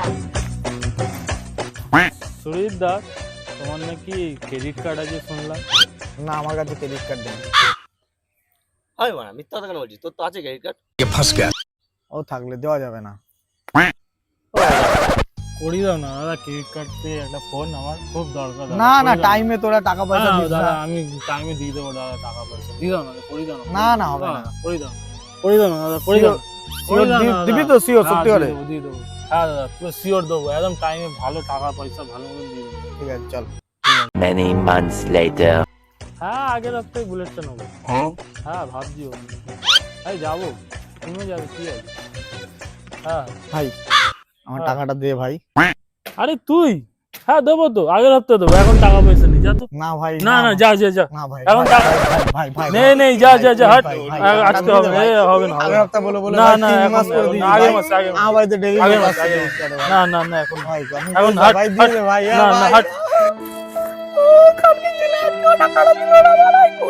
সুরিত দা, তোমার নাকি credit card আছে শুনলাম? না, আমার কাছে ক্রেডিট কার্ড নেই। হয় মানে মিথ্যা কথা কেন বলছিস? তোর তো আছে ক্রেডিট কার্ড। ও থাকলে দেওয়া যাবে না। করিয়ে দাও না দাদা ক্রেডিট কার্ড দিয়ে একটা ফোন, আমার খুব দরকার দাদা। না না, করিয়ে দাও টাইমে তোরা টাকা পয়সা না, দিস দাদা না। আমি টাইমে দিয়ে দেবো দাদা, টাকা পয়সা দিয়ে দাও না, করিয়ে দাও না। না, না, হবে না। করিয়ে দাও, করিয়ে দাও না দাদা, করিয়ে দাও না। করিয়ে দাও না দিবি দাদা। তো শিওর? হ্যাঁ, সত্যি দিয়ে করে? দেবো, দিয়ে দেবো। হ্যাঁ দাদা, পুরো শিওর দেবো, একদম টাইমে ভালো টাকা পয়সা ভালো মতো দিয়ে দেবো। ঠিক আছে, চল। Many months later. হ্যাঁ, আগের সপ্তাহে বুলেটটা নেবো। হ্যাঁ ভাবছিও, এই যাবো, তুমিও যাবে, কি আছে? হ্যাঁ ভাই আমার হ্যাঁ। টাকাটা দে ভাই। আরে তুই, হ্যাঁ দেবো তো, আগের সপ্তাহে দেবো, এখন টাকা পয়সা নেই, যা তো। না ভাই, না না, যা যা যা, না ভাই, এখন ভাই, টাকা ভাই, ভাই, ভাই, নেই নেই, যা যা যা, হাট। ভাই, ভাই, আজকে টাকা হবে না, দিবি এ ভাই? হবে না, হবে আগের না। হপ্তাহ বলে বলে না ভাই না, 3 এখন মাস করে না, দিবি আগের ভাই। মাসে, আগের মাসে। আমার বাড়িতে ডেলি আগের মাস মাসে, আগের মাসে। না না না, এখন ভাই এখন হাট, ভাই দিয়ে দে ভাই। না না, হাট।